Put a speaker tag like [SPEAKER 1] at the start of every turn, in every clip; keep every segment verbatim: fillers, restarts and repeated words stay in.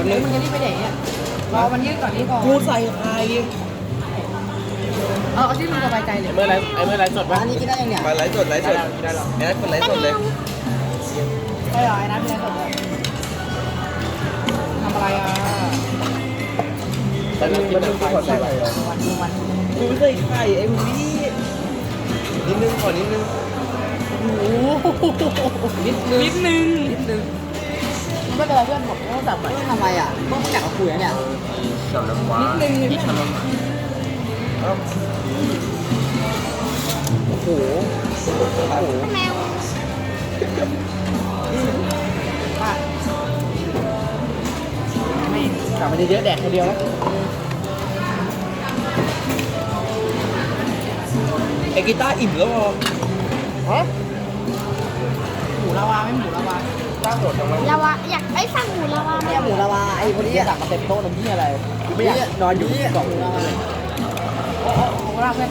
[SPEAKER 1] แล้วนึงมันจะรีบไปไหนเนี่ยรอมันยืดก่อนนี่ก่อน
[SPEAKER 2] กูใส่ไข่
[SPEAKER 1] เออเอาที่มึงสบายใจเลย
[SPEAKER 3] เมื่อไรไอ้เมื่อไรสดปะ
[SPEAKER 4] อันนี้กินได้ยังเนี่ย
[SPEAKER 2] ไปไลฟ์สดไลฟ์สด
[SPEAKER 3] ได้หรอ
[SPEAKER 2] แอดคนไลฟ์สดเลย
[SPEAKER 1] ใช่เหรอไอ้น้ำเป็นอะไรสดเลยทำอะไรอ่ะ
[SPEAKER 3] แต่มันมันขอใส่ไข่
[SPEAKER 1] วันดูวัน
[SPEAKER 2] กูใส่ไข่ไอ้พี่นิดนึงขอนิดนึง
[SPEAKER 1] โอ้นิดนึงนิดนึงนิดนึงไม่เป็นไรเพื่อนผมต้องจับใหม่
[SPEAKER 4] เพื่อนทำไมอ่ะเพื่อนอยากมาคุยนะเนี่ย
[SPEAKER 3] ฉลองว้า
[SPEAKER 1] นิดนึงพี่ชม
[SPEAKER 2] โอ้โหโอ้โห
[SPEAKER 1] แมวป้าไม่กลับมาเยอะๆแดกคนเดียวแล้ว
[SPEAKER 2] ไอ้กีตาร์อิ่มแล้วเหรอ
[SPEAKER 1] ฮะหมูลาวาไม่หมูลาวา
[SPEAKER 3] ตั้งโดดจังวะ
[SPEAKER 5] ลาวาอยากไอ้สั่งหมูลาวา
[SPEAKER 4] เนี่ยหมูลาวาไอ้คนนี้
[SPEAKER 1] ที่
[SPEAKER 4] อ่ะ
[SPEAKER 1] สั่งมาเต็มโต๊ะน้ำที่อะไรไม่อยากนอนอยู่กล่อง
[SPEAKER 4] หมูลาวา
[SPEAKER 1] โอ้โหโอ้โหลาเพื่อน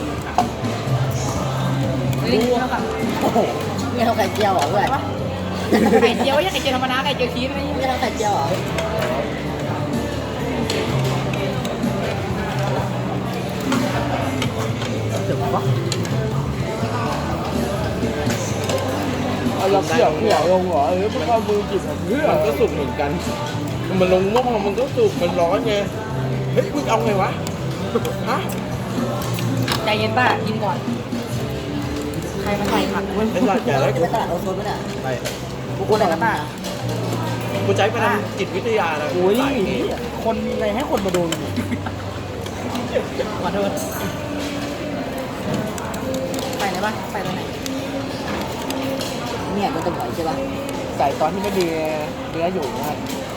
[SPEAKER 1] นี่เท่ากับ
[SPEAKER 4] โอ้โหเนี่ยเราไข่เจียวเหรอเพื่อน
[SPEAKER 1] ไข่เจียวยังไข่เจียวธรรมดาไข่เจียวชีสไม่
[SPEAKER 4] เนี่ยเราไข่เจียวเหรอ
[SPEAKER 1] ถึงวะ
[SPEAKER 3] เอาเราเขี่ยวเขี่ยวลงเหรอเออพวกเรามือจิบเพื่อมันก็สุกเหมือนกัน มันลงหม้อมันก็สุกมันร้อนไงเฮ้ยมึงเอาไงวะฮะ
[SPEAKER 1] ใจเย็นป้ากินก่อนใครมาใส่ผักเว้ย
[SPEAKER 2] ไอ้สัตว์แก่แล้ว
[SPEAKER 4] จะ
[SPEAKER 2] กู
[SPEAKER 4] ไปตลาดโอโซนไหมเนี่ย
[SPEAKER 2] ไป
[SPEAKER 1] กูกลัวอะไรกันป้า
[SPEAKER 2] กูใช้พลังจิตวิทยานะ
[SPEAKER 1] โอ้ย
[SPEAKER 2] ใส่นี่
[SPEAKER 1] คนอะไรให้คนมาโดนขอโทษไปไหนบ้างไปตรงไหน
[SPEAKER 4] เนี่ยก็จะบ่อยใช่ป่ะ
[SPEAKER 1] ใส่ตอนที่ไม่ดีเนื้ออยู่นะครับ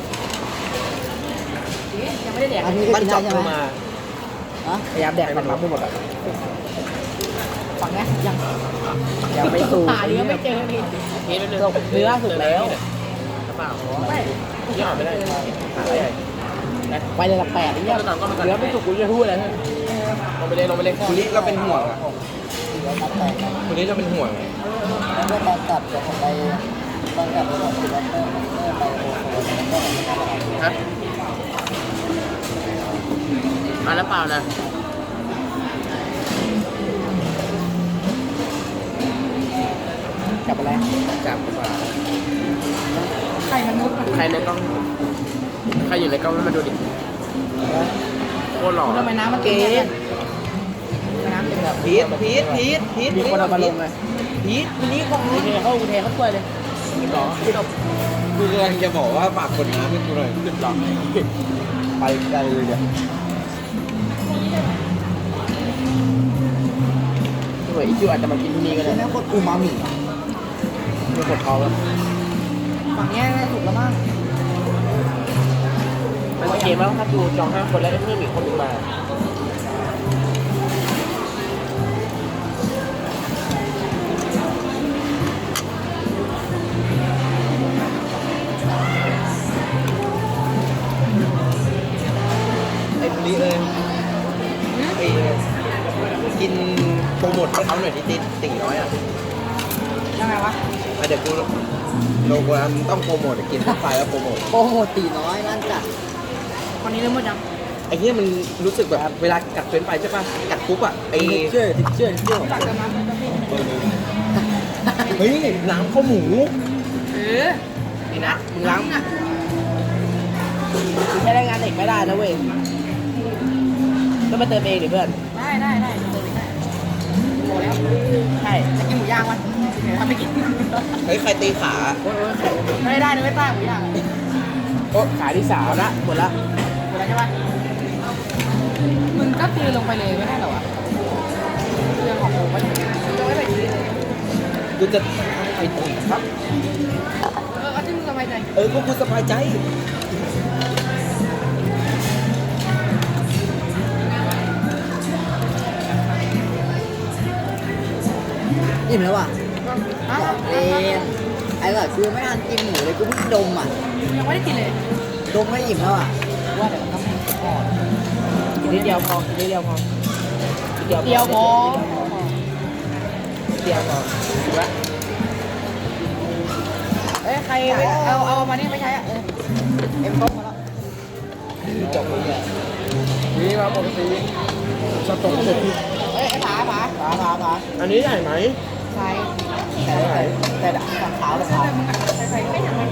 [SPEAKER 1] ยังไม่ได้แดก
[SPEAKER 4] อันนี้ก็
[SPEAKER 2] มัน
[SPEAKER 4] กิน
[SPEAKER 2] จั
[SPEAKER 4] ได้
[SPEAKER 2] บ
[SPEAKER 4] ใช่
[SPEAKER 2] ล
[SPEAKER 4] ไหม
[SPEAKER 2] งมา
[SPEAKER 4] ฮะ
[SPEAKER 1] พยายามแดกมันรับไม่หมดอ่ะฝั่งนี้ยังยังไม่สูงหาเนื้อไม่เจอพี่
[SPEAKER 3] เฮ้ยเนื้อ
[SPEAKER 1] เนื้อสุกแล้ว
[SPEAKER 3] เปล่า
[SPEAKER 1] ไม่
[SPEAKER 3] ยี่ห้อไม่ได้หาอะไร
[SPEAKER 1] ไปเลยละแปดนี่ยังเนื้อไม่สุกกูจะพูดอะไร
[SPEAKER 3] ลงไปเลยลงไปเลย
[SPEAKER 2] คุณลิเราเป็นห่วงอะ
[SPEAKER 4] เดี๋ยวตัดแต่งนะ
[SPEAKER 2] คุณลิเราเป็นห่วง
[SPEAKER 4] แล้วก็ตอนกลับจะไปตอนกลับจะไปที่บ้านเพื่อนไปโอโซนแล้วก็
[SPEAKER 3] ฮะมาแล้วเปล่านะ
[SPEAKER 1] จับอะไร
[SPEAKER 3] จับดีกว่า
[SPEAKER 1] ไข่มันนุษย์
[SPEAKER 3] ใครในกล้องใครอยู่ในกล้องให้มาดูดิโคตรหล่อ
[SPEAKER 1] ทำไมน้ำมันเกยน้ำเป็นแบบ
[SPEAKER 2] พีทพีทพีทพีท
[SPEAKER 1] มีคนเอามาลงเลย
[SPEAKER 2] พีทคุณลิของ
[SPEAKER 1] กูเทเขากูเทเขาถ้วยเลย
[SPEAKER 3] หล่อที่เรา
[SPEAKER 2] กูกำลังจะบอกว่าฝากคนน้ำให้กูหน่อย
[SPEAKER 3] ขึ้นหล่อ
[SPEAKER 2] ไปไกลเลยเนี่ย
[SPEAKER 3] สวยอีคิวอาจจะมากินที่นี่ก็
[SPEAKER 4] ใช่
[SPEAKER 3] ได้
[SPEAKER 4] ไหมโคตรอูมามิ
[SPEAKER 3] ไม่ปวดท้องแล้ว
[SPEAKER 1] ฝั่งนี้ถูกแล้วมั้ง
[SPEAKER 3] มันโอเคมั้งถ้าดูจองห้าคนแล้วเพิ่มอีกคนนึงมา
[SPEAKER 2] ไอ้คุณลิเอ้ยไอ้กินโปรโมทให้เขาหน่อยดิติดติ่งน้อยอ่ะ
[SPEAKER 1] ยังไงวะ
[SPEAKER 2] อ่ะเดี๋ยวกูโลโก้ต้องโปรโมทกินทุกไฟแล้วโปรโมท
[SPEAKER 4] โอ้โหตีน้อยนั่นจัด
[SPEAKER 1] วันนี้เริ่มหมดยัง
[SPEAKER 2] ไอ้เนี้ยมันรู้สึกแบบเวลากัดเฟ้นไปใช่ป่ะกัดปุ๊บอ่ะไอ้
[SPEAKER 4] เชื่อเชื่อเชื่อ
[SPEAKER 1] ตักเติมน้ำแล้วพี่
[SPEAKER 2] เฮ้ยน้ำข้าวหมู
[SPEAKER 1] เออนี่นะมึงล้างอ่ะมึงใช้แรงงานเด็กไม่ได้นะเว้ยก็มาเติมเองดิเพื่อนได้ได้ได้เติมเองได้โมแล้วใช่จะกินหมูย่างมั้ยทำไม่กิน
[SPEAKER 2] เฮ้ยใครตีขา
[SPEAKER 1] โอ้ยไม่ได้นะไม่ป้าหมูย่าง
[SPEAKER 2] โอ้
[SPEAKER 1] ขายที่สามละหมดละหมดแล้วใช่ปะมึงก็ตีลงไปเลยไม่ได้หรอวะเรื่องของผมก็อย่างนี้จะไม่ไปตีเลย
[SPEAKER 2] กูจะไปตีครับ
[SPEAKER 1] เออเอาที่มึงสบายใจ
[SPEAKER 2] เออก็กูสบายใจ
[SPEAKER 4] อิ่มแล้วอ่ะ
[SPEAKER 1] อ้าว
[SPEAKER 4] เอ๊ะไอ้แบบกูไม่ทันกินหมูเลยกูเพิ่งดมอ่ะ
[SPEAKER 1] ยังไม่ได้กินเลย
[SPEAKER 4] ดมไม่อิ่มแล้วอ่ะ
[SPEAKER 1] ว่าเดี๋ยวมันต้องพอกินนิดเดียวพอกินนิดเดียวพอเดียวพอเดียวพอเดียวพอถูกละเอ้ยใครเอาเอามานี่ไม่ใช้อ่ะเออเอ็มต้มมาแล้ว
[SPEAKER 4] จบเลย
[SPEAKER 3] นี่มาปกติสต๊อกเลย
[SPEAKER 1] เอ้ยไอ้ผาผาผาผาผา
[SPEAKER 3] อันนี้ใหญ่ไหม
[SPEAKER 1] ใช่แต่แต่แต่ขาวขาว